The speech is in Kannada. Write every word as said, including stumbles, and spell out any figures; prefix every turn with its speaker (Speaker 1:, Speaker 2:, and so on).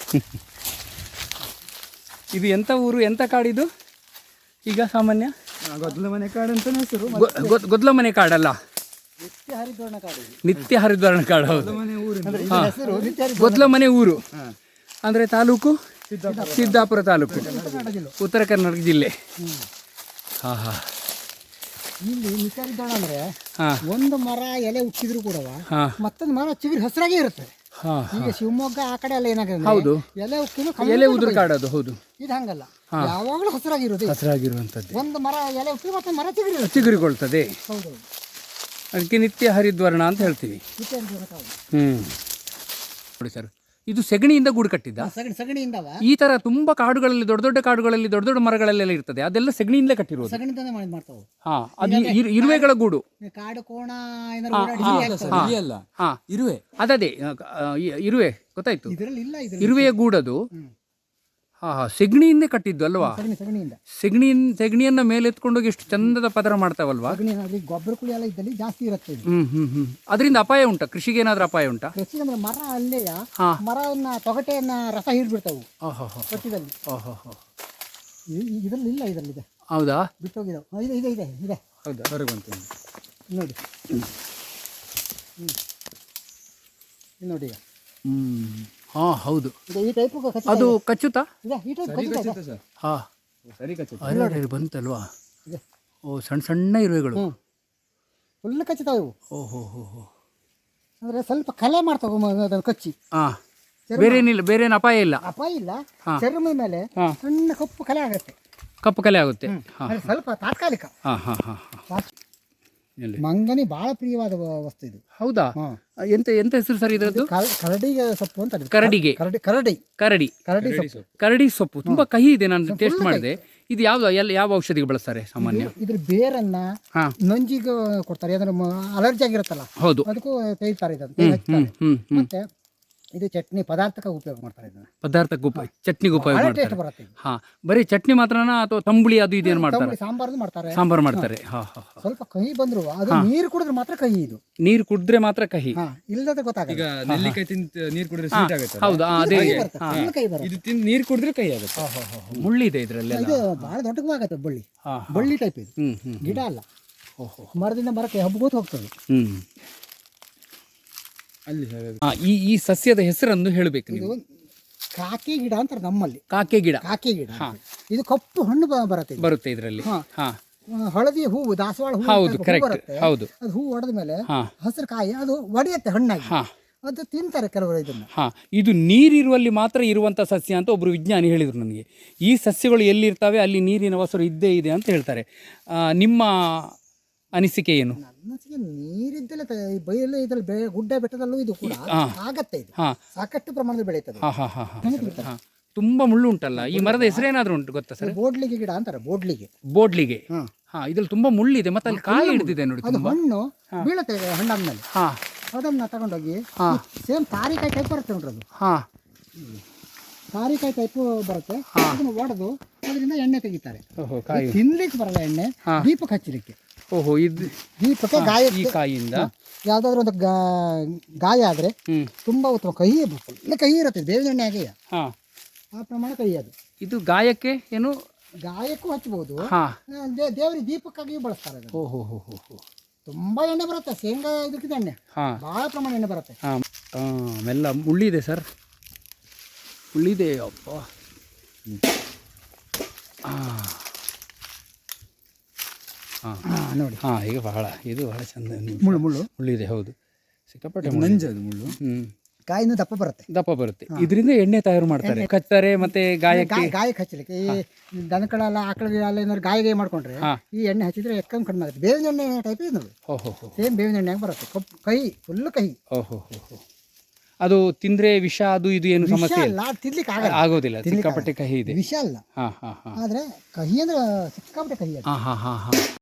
Speaker 1: ಇದು ಎಂಥ ಊರು, ಎಂಥ ಕಾಡಿದು ಈಗ ಸಾಮಾನ್ಯ?
Speaker 2: ಗೊದ್ಲ ಮನೆ ಕಾಡು ಅಂತ ಹೆಸರು.
Speaker 1: ಗೊದ್ಲ ಮನೆ ಕಾಡಲ್ಲ,
Speaker 2: ನಿತ್ಯ ಹರಿದ್ವರ್ಣ ಕಾಡು.
Speaker 1: ನಿತ್ಯ ಹರಿದ್ವರ್ಣ ಕಾಡು. ಹೌದು, ಗೊದ್ಲ ಮನೆ ಊರು. ಅಂದರೆ ತಾಲೂಕು ಸಿದ್ದಾಪುರ ತಾಲೂಕು, ಉತ್ತರ ಕರ್ನಾಟಕ ಜಿಲ್ಲೆ. ಹಾಂ ಹಾಂ.
Speaker 2: ಇಲ್ಲಿ ನಿತ್ಯ ಹರಿದ್ವರ್ಣ ಅಂದರೆ ಒಂದು ಮರ ಎಲೆ ಉಕ್ಕಿದ್ರು ಕೂಡ ಮತ್ತೊಂದು ಮರ ಚಿಗುರು ಹಸಿರಾಗೇ ಇರುತ್ತೆ. ಈಗ ಶಿವಮೊಗ್ಗ ಆ ಕಡೆ ಎಲ್ಲ ಏನಾಗುತ್ತೆ,
Speaker 1: ಹೌದು,
Speaker 2: ಎಲೆ ಉಕ್ಕಿದ್ರು
Speaker 1: ಎಲೆ ಉದುರು ಕಾಡೋದು. ಹೌದು,
Speaker 2: ಇದು ಹಂಗಲ್ಲ, ಯಾವಾಗಲೂ ಹಸಿರಾಗಿರೋದು.
Speaker 1: ಹಸಿರಾಗಿರುವಂಥದ್ದು.
Speaker 2: ಒಂದು ಮರ ಎಲೆ ಉಕ್ಕಿ ಮತ್ತೊಂದು ಮರ ಚಿಗುರು
Speaker 1: ಚಿಗುರಿಕೊಳ್ತದೆ.
Speaker 2: ಹೌದು,
Speaker 1: ಅದಕ್ಕೆ ನಿತ್ಯ ಹರಿದ್ವರ್ಣ ಅಂತ ಹೇಳ್ತೀವಿ.
Speaker 2: ನಿತ್ಯ ಹರಿದ್ವರ್ಣ ಕಾಡು.
Speaker 1: ಹ್ಞೂ ನೋಡಿ ಸರ್, ಇದು ಸೆಗಣಿಯಿಂದ ಗೂಡು ಕಟ್ಟಿದ್ದ.
Speaker 2: ಸಗಣಿ ಸಗಣಿಯಿಂದವ
Speaker 1: ಈ ತರ ತುಂಬಾ ಕಾಡುಗಳಲ್ಲಿ, ದೊಡ್ಡ ದೊಡ್ಡ ಕಾಡುಗಳಲ್ಲಿ, ದೊಡ್ಡ ದೊಡ್ಡ ಮರಗಳಲ್ಲೆಲ್ಲ ಇರ್ತದೆ, ಅದೆಲ್ಲ ಸೆಗಣಿಯಿಂದಲೇ ಕಟ್ಟಿರೋದು.
Speaker 2: ಸಗಣಿಯಿಂದನೇ ಮಾಡಿ ಮಾಡ್ತಾವೆ.
Speaker 1: ಹಾ, ಅದು ಇರು- ಇರುವೆಗಳ ಗೂಡು.
Speaker 2: ಕಾಡು ಕೋಣ ಏನಾದ್ರು
Speaker 1: ಹಾ,
Speaker 3: ಇರುವೆ
Speaker 1: ಅದದೇ ಇರುವೆ, ಗೊತ್ತಾಯ್ತು.
Speaker 2: ಇದರಲ್ಲಿ ಇಲ್ಲ, ಇದರಲ್ಲಿ
Speaker 1: ಇರುವೆಯ ಗೂಡದು. ಹಾ ಹಾ, ಸೆಗಣಿಯಿಂದೇ ಕಟ್ಟಿದ್ದು ಅಲ್ವಾ?
Speaker 2: ಸಗಣಿ ಸಗಣಿಯಿಂದ
Speaker 1: ಸೆಗಣಿ ಸೆಗಣಿಯನ್ನ ಮೇಲೆ ಎತ್ಕೊಂಡೋಗಿ ಎಷ್ಟು ಚಂದದ ಪದರ ಮಾಡ್ತಾವಲ್ವಾ?
Speaker 2: ಸಗಣಿ ಅಲ್ಲಿ ಗೊಬ್ಬರ ಕುಳಿ ಎಲ್ಲ ಇದ್ದಲ್ಲಿ ಜಾಸ್ತಿ ಇರುತ್ತೆ ಇದು.
Speaker 1: ಹ್ಮ್ ಹ್ಮ್ ಹ್ಮ್. ಅದರಿಂದ ಅಪಾಯ ಉಂಟಾ? ಕೃಷಿಗೆ ಏನಾದ್ರೂ ಅಪಾಯ ಉಂಟಾ?
Speaker 2: ಕೃಷಿ ಅಂದ್ರೆ ಮರ ಅಲ್ಲೇಯ
Speaker 1: ಹಾ.
Speaker 2: ಮರವನ್ನ ತೊಗಟೆಯನ್ನ ರಸ ಹಿಡ್ಬಿಡ್ತಾವು
Speaker 1: ಓಹೋ
Speaker 2: ಕಟ್ಟಿದಲ್ಲಿ.
Speaker 1: ಓಹೋ ಹೋ.
Speaker 2: ಇದರಲ್ಲಿ ಇಲ್ಲ, ಇದರಲ್ಲಿ ಇದೆ,
Speaker 1: ಹೌದಾ?
Speaker 2: ಬಿಟ್ಟೋಗಿದಾವೆ. ಇದೆ ಇದೆ ಇದೆ ಇದೆ
Speaker 1: ಹೌದಾ?
Speaker 3: ಹೊರಗೆ ಬಂತು
Speaker 2: ನೋಡಿ. ಹ್ಞೂ ಇದು ನೋಡಿ ಈಗ.
Speaker 1: ಹ್ಮ್. ಹಾ ಹೌದು,
Speaker 2: ಇದು ಈ ಟೈಪ್
Speaker 1: ಅದು ಕಚ್ಚುತ್ತಾ?
Speaker 2: ಇದೆ, ಈ ಟೈಪ್ ಕಚ್ಚಿದೆ.
Speaker 3: ಸರ್.
Speaker 1: ಹಾ,
Speaker 3: ಸರಿ ಕಚ್ಚುತ್ತೆ.
Speaker 1: ಅರೆ ಬಂತಲ್ವಾ?
Speaker 2: ಇದೆ.
Speaker 1: ಓ, ಸಣ್ಣ ಸಣ್ಣ ಇರುವೆಗಳು.
Speaker 2: ಹ್ಞೂ, ಫುಲ್ ಕಚ್ಚುತ್ತಾವೆ ಇವು.
Speaker 1: ಓಹೋ ಹೋ ಹೋ.
Speaker 2: ಅಂದರೆ ಸ್ವಲ್ಪ ಕಲೆ ಮಾಡ್ತಾವೆ ಮ- ಅದನ್ನು ಕಚ್ಚಿ.
Speaker 1: ಹಾ, ಬೇರೆ ಏನಿಲ್ಲ, ಬೇರೆ ಏನು ಅಪಾಯ ಇಲ್ಲ.
Speaker 2: ಅಪಾಯ ಇಲ್ಲ.
Speaker 1: ಹಾ.
Speaker 2: ಚರ್ಮದ ಮೇಲೆ
Speaker 1: ಹಾ.
Speaker 2: ಸಣ್ಣ ಕಪ್ಪು ಕಲೆ ಆಗುತ್ತೆ.
Speaker 1: ಕಪ್ಪು ಕಲೆ ಆಗುತ್ತೆ. ಹಾ
Speaker 2: ಅಂದ್ರೆ ಸ್ವಲ್ಪ ತಾತ್ಕಾಲಿಕ.
Speaker 1: ಹಾ ಹಾ ಹಾ ಹಾ. ಎಲ್ಲಿ?
Speaker 2: ಮಂಗನಿ ಬಹಳ ಪ್ರಿಯವಾದ ವ- ವಸ್ತು ಇದು.
Speaker 1: ಹೌದಾ?
Speaker 2: ಹಾ.
Speaker 1: ಎಂತ ಎಂತ ಹೆಸರು ಸರ್ ಇದರದ್ದು?
Speaker 2: ಕರ- ಕರಡಿಗೆ ಸೊಪ್ಪು ಅಂತ.
Speaker 1: ಕರಡಿಗೆ.
Speaker 2: ಕರಡಿ ಕರಡಿ
Speaker 1: ಕರಡಿ.
Speaker 2: ಕರಡಿ ಸೊಪ್ಪು.
Speaker 1: ಕರಡಿ ಸೊಪ್ಪು ತುಂಬಾ ಕಹಿ ಇದೆ, ನಾನು ಟೇಸ್ಟ್ ಮಾಡಿದೆ. ಇದು ಯಾವ ಎಲ್ಲ ಯಾವ ಔಷಧಿಗೆ ಬಳಸ್ತಾರೆ ಸಾಮಾನ್ಯ?
Speaker 2: ಇದ್ರ ಬೇರನ್ನ
Speaker 1: ಹಾ.
Speaker 2: ನಂಜಿಗೆ ಕೊಡ್ತಾರೆ, ಅಂದ್ರೆ ಅಲರ್ಜಿ ಆಗಿರುತ್ತಲ್ಲ
Speaker 1: ಹೌದು.
Speaker 2: ಅದಕ್ಕೂ ತೆಗಿತಾರೆ ಇದನ್ನು,
Speaker 1: ಹ್ಮ್
Speaker 2: ಹಚ್ತಾರೆ.
Speaker 1: ಹ್ಮ್ ಹ್ಮ್.
Speaker 2: ಮತ್ತೆ ಇದು ಚಟ್ನಿ ಪದಾರ್ಥಕ್ಕೆ ಉಪಯೋಗ ಮಾಡ್ತಾರೆ ಇದನ್ನ.
Speaker 1: ಪದಾರ್ಥಕ್ಕೆ ಉಪ ಚಟ್ನಿಗೆ ಉಪಯೋಗ
Speaker 2: ಬಹಳ
Speaker 1: ಮಾಡ್ತಾರೆ.
Speaker 2: ಟೇಸ್ಟ್ ಬರುತ್ತೆ ಇದು.
Speaker 1: ಹಾ, ಬರೀ ಚಟ್ನಿ ಮಾತ್ರನಾ ಅಥವಾ ತಂಬುಳಿ ಅದು ಇದೇನು ಮಾಡ್ತಾರೆ?
Speaker 2: ತಂಬುಳಿ ಸಾಂಬಾರ್ದು ಮಾಡ್ತಾರೆ.
Speaker 1: ಸಾಂಬಾರು ಮಾಡ್ತಾರೆ. ಹಾ ಹಾ ಹಾ.
Speaker 2: ಸ್ವಲ್ಪ ಕಹಿ ಬಂದ್ರು ಅದು ನೀರು ಕುಡಿದ್ರೆ ಮಾತ್ರ ಕಹಿ ಇದು.
Speaker 1: ನೀರು ಕುಡಿದ್ರೆ ಮಾತ್ರ ಕಹಿ.
Speaker 2: ಹಾ, ಇಲ್ಲದ ಗೊತ್ತಾಗಲ್ಲ.
Speaker 3: ಈಗ ನೆಲ್ಲಿಕಾಯಿ ತಿಂತ ನೀರು ಕುಡಿದ್ರೆ ಸ್ವೀಟ್ ಆಗುತ್ತೆ.
Speaker 1: ಹೌದಾ? ಅದೇ
Speaker 2: ಕಹಿ ಬರುತ್ತೆ, full ಕಹಿ ಬರುತ್ತೆ.
Speaker 3: ಇದು ತಿಂದು ನೀರು ಕುಡಿದ್ರೆ ಕೈ ಆಗುತ್ತೆ.
Speaker 1: ಮುಳ್ಳಿದೆ ಇದ್ರಲ್ಲೆಲ್ಲ.
Speaker 2: ಇದು ಬಹಳ ದೊಡ್ಡದಾಗತ್ತೆ ಬಳ್ಳಿ.
Speaker 1: ಹಾ,
Speaker 2: ಬಳ್ಳಿ ಟೈಪ್ ಇದು,
Speaker 1: ಹ್ಮ್ ಹ್ಮ್
Speaker 2: ಗಿಡ ಅಲ್ಲ.
Speaker 1: ಓಹೋ.
Speaker 2: ಮರದಿಂದ ಮರಕ್ಕೆ ಹಬ್ಬೋತ್ ಹೋಗ್ತದೆ.
Speaker 1: ಹ್ಮ್.
Speaker 3: ಅಲ್ಲಿ ಹೇಳೋದು.
Speaker 1: ಆ, ಈ ಈ ಸಸ್ಯದ ಹೆಸರನ್ನು ಹೇಳಬೇಕು
Speaker 2: ಇದು
Speaker 1: ನೀವು.
Speaker 2: ಕಾಕಿ ಗಿಡ ಅಂತಾರೆ ನಮ್ಮಲ್ಲಿ.
Speaker 1: ಕಾಕೆ ಗಿಡ
Speaker 2: ಕಾಕಿ ಗಿಡ ಅಂತ. ಇದು ಕಪ್ಪು ಹಣ್ಣು ಬ- ಬರುತ್ತೆ ಇದು.
Speaker 1: ಬರುತ್ತೆ ಇದರಲ್ಲಿ.
Speaker 2: ಹಾ.
Speaker 1: ಹಾ,
Speaker 2: ಆ, ಹಳದಿ ಹೂವು, ದಾಸವಾಳ ಹೂವು
Speaker 1: ಹೌದು,
Speaker 2: ಅಂತ ಹೂ
Speaker 1: correct.
Speaker 2: ಬರುತ್ತೆ.
Speaker 1: ಹೌದು.
Speaker 2: ಅದು ಹೂ ಹೊಡೆದ ಮೇಲೆ
Speaker 1: ಹಾ
Speaker 2: ಹಸಿರು ಕಾಯಿ ಅದು ಒಡೆಯುತ್ತೆ ಹಣ್ಣಾಗಿ.
Speaker 1: ಹಾ
Speaker 2: ಅದು ತಿಂತಾರೆ ಕೆಲವರು ಇದನ್ನ.
Speaker 1: ಹಾ. ಇದು ನೀರಿರುವಲ್ಲಿ ಮಾತ್ರ ಇರುವಂಥ ಸಸ್ಯ ಅಂತ ಒಬ್ಬರು ವಿಜ್ಞಾನಿ ಹೇಳಿದರು ನನಗೆ. ಈ ಸಸ್ಯಗಳು ಎಲ್ಲಿರ್ತವೆ ಅಲ್ಲಿ ನೀರಿನ ವಸರು ಇದ್ದೇ ಇದೆ ಅಂತ ಹೇಳ್ತಾರೆ. ಆ, ನಿಮ್ಮ ಅನಿಸಿಕೆ ಏನು?
Speaker 2: ನನ್ನಸಿಗೆ ನೀರಿದ್ದಲ್ಲ ಬಯಲು ಇದ್ರಲ್ಲಿ ಬೆ ಗುಡ್ಡ ಬೆಟ್ಟದಲ್ಲೂ ಇದು ಕೂಡ
Speaker 1: ಹಾ.
Speaker 2: ಆಗತ್ತೆ. ಇದು
Speaker 1: ಹಾ
Speaker 2: ಸಾಕಷ್ಟು ಪ್ರಮಾಣದಲ್ಲಿ ಬೆಳೀತದೆ.
Speaker 1: ಹಾ ಹಾ ಹಾ ಹಾ ಹಾ. ತುಂಬಾ ಮುಳ್ಳು ಉಂಟಲ್ಲ, ಈ ಮರದ ಹೆಸರೇನಾದ್ರೂ ಉಂಟು ಗೊತ್ತಾ ಸರ್?
Speaker 2: ಬೋಡ್ಲಿಗೆ ಗಿಡ ಅಂತಾರೆ, ಬೋಡ್ಲಿಗೆ.
Speaker 1: ಬೋಡ್ಲಿಗೆ.
Speaker 2: ಹಾ.
Speaker 1: ಹಾ, ಇದ್ರಲ್ಲಿ ತುಂಬಾ ಮುಳ್ಳಿದೆ, ಮತ್ತೆ ಅಲ್ಲಿ ಕಾಯಿ ಹಿಡಿದಿದೆ ನೋಡಿ
Speaker 2: ಅದು
Speaker 1: ತುಂಬಾ.
Speaker 2: ಹಣ್ಣು ಬೀಳುತ್ತೆ ಹಣ್ಣಾದ್ಮೇಲೆ.
Speaker 1: ಹಾ
Speaker 2: ಅದನ್ನ ತಗೊಂಡೋಗಿ
Speaker 1: ಹಾ
Speaker 2: ಸೇಮ್ ತಾರಿಕಾಯಿ ಟೈಪ್ ಬರುತ್ತೆ ನೋಡ್ರಿ. ಅದು
Speaker 1: ಹಾ
Speaker 2: ತಾರಿಕಾಯಿ ಟೈಪ್ ಬರುತ್ತೆ. ಅದನ್ನ ಒಡೆದು ಅದರಿಂದ ಎಣ್ಣೆ ತೆಗಿತಾರೆ.
Speaker 1: ಓಹೋ, ಕಾಯಿ.
Speaker 2: ತಿನ್ಲಿಕ್ಕೆ ಬರಲ್ಲ ಎಣ್ಣೆ,
Speaker 1: ಹಾ.
Speaker 2: ದೀಪಕ್ಕೆ ಹಚ್ಚಲಿಕ್ಕೆ.
Speaker 1: ಓಹೋ, ಇದು
Speaker 2: ದೀಪಕ್ಕೆ
Speaker 1: ಈ
Speaker 2: ಗಾಯ
Speaker 1: ಕಾಯಿಯಿಂದ
Speaker 2: ಯಾವ್ದಾದ್ರು ಒಂದು ಗಾ- ಗಾಯ ಆದ್ರೆ
Speaker 1: ಹ್ಮ್
Speaker 2: ತುಂಬಾ ಉತ್ತಮ. ಕಹಿ ಫುಲ್ ಕಹಿ ಇರುತ್ತೆ, ಬೇವಿನ ಎಣ್ಣೆ ಹಾಗೆ
Speaker 1: ಹಾ.
Speaker 2: ಆ ಪ್ರಮಾಣ ಕಹಿ ಅದು.
Speaker 1: ಇದು ಗಾಯಕ್ಕೆ ಏನು?
Speaker 2: ಗಾಯಕ್ಕೂ ಹಚ್ಚಬಹುದು,
Speaker 1: ಹಾ.
Speaker 2: ದೇವರಿಗೆ ದೀಪಕ್ಕಾಗಿಯೂ ಬಳಸ್ತಾರೆ ಅದನ್ನ.
Speaker 1: ಓಹೋ ಹೋ ಹೋ ಹೋ.
Speaker 2: ತುಂಬಾ ಎಣ್ಣೆ ಬರುತ್ತೆ, ಶೇಂಗಾ ಇದಕ್ಕಿದೆ ಎಣ್ಣೆ
Speaker 1: ಹಾ
Speaker 2: ಬಹಳ ಪ್ರಮಾಣ ಎಣ್ಣೆ ಬರುತ್ತೆ.
Speaker 1: ಹಾ. ಆ, ಮೆಲ್ಲ ಮುಳ್ಳಿದೆ ಸರ್, ಮುಳ್ಳಿದೆ. ಅಪ್ಪ. ಆ. ಹಾ
Speaker 2: ಹಾ, ನೋಡಿ
Speaker 1: ಹಾ, ಈಗ ಬಹಳ ಇದು ಬಹಳ ಚಂದ
Speaker 2: ಮುಳ್ಳು ಮುಳ್ಳು
Speaker 1: ಮುಳ್ಳಿದೆ. ಹೌದು, ಸಿಕ್ಕಾಪಟ್ಟೆ ಮುಳ್ಳು.
Speaker 3: ನಂಜದು ಮುಳ್ಳು.
Speaker 1: ಹ್ಮ್,
Speaker 2: ಕಾಯಿನೂ ದಪ್ಪ ಬರುತ್ತೆ.
Speaker 1: ದಪ್ಪ ಬರುತ್ತೆ. ಇದರಿಂದ ಎಣ್ಣೆ ತಯಾರು ಮಾಡ್ತಾರೆ, ಕಚ್ತಾರೆ ಮತ್ತೆ ಗಾಯಕ್ಕೆ.
Speaker 2: ಗಾಯ ಗಾಯಕ್ಕೆ ಹಚ್ಚಲಿಕ್ಕೆ ಈ ದನಗಳೆಲ್ಲ ಆಕಳಗಳೆಲ್ಲ ಏನಾದ್ರು ಗಾಯ ಮಾಡ್ಕೊಂಡ್ರೆ
Speaker 1: ಹಾ.
Speaker 2: ಈ ಎಣ್ಣೆ ಹಚ್ಚಿದ್ರೆ ಎಕ್ಕಂಗೆ ಕಡಿಮೆ ಆಗುತ್ತೆ. ಬೇವಿನ ಎಣ್ಣೆ ಟೈಪ್ ಇದೆ ನೋಡಿ,
Speaker 1: ಹೋ ಹೋ ಹೋ
Speaker 2: ಸೇಮ್ ಬೇವಿನ ಎಣ್ಣೆ ಬರುತ್ತೆ. ಕಪ್ಪು ಕಹಿ, ಫುಲ್ ಕಹಿ.
Speaker 1: ಓಹೋ ಹೋ ಹೋ. ಅದು ತಿಂದ್ರೆ ವಿಷ ಅದು ಇದು ಏನು
Speaker 2: ವಿಷ
Speaker 1: ಸಮಸ್ಯೆ ಇಲ್ಲ,
Speaker 2: ಅಲ್ಲ, ತಿನ್ಲಿಕ್ಕೆ ಆಗಲ್ಲ.
Speaker 1: ಆಗೋದಿಲ್ಲ.
Speaker 2: ತಿನ್ಲಿಕ್ಕೆ
Speaker 1: ಸಿಕ್ಕಾಪಟ್ಟೆ ಕಹಿ ಇದೆ.
Speaker 2: ವಿಷ ಅಲ್ಲ,
Speaker 1: ಹಾ ಹಾ ಹಾ
Speaker 2: ಆದ್ರೆ ಕಹಿ ಅಂದ್ರೆ ಸಿಕ್ಕಾಪಟ್ಟೆ ಕಹಿ ಅದು.
Speaker 1: ಹಾ ಹಾ ಹಾ ಹಾ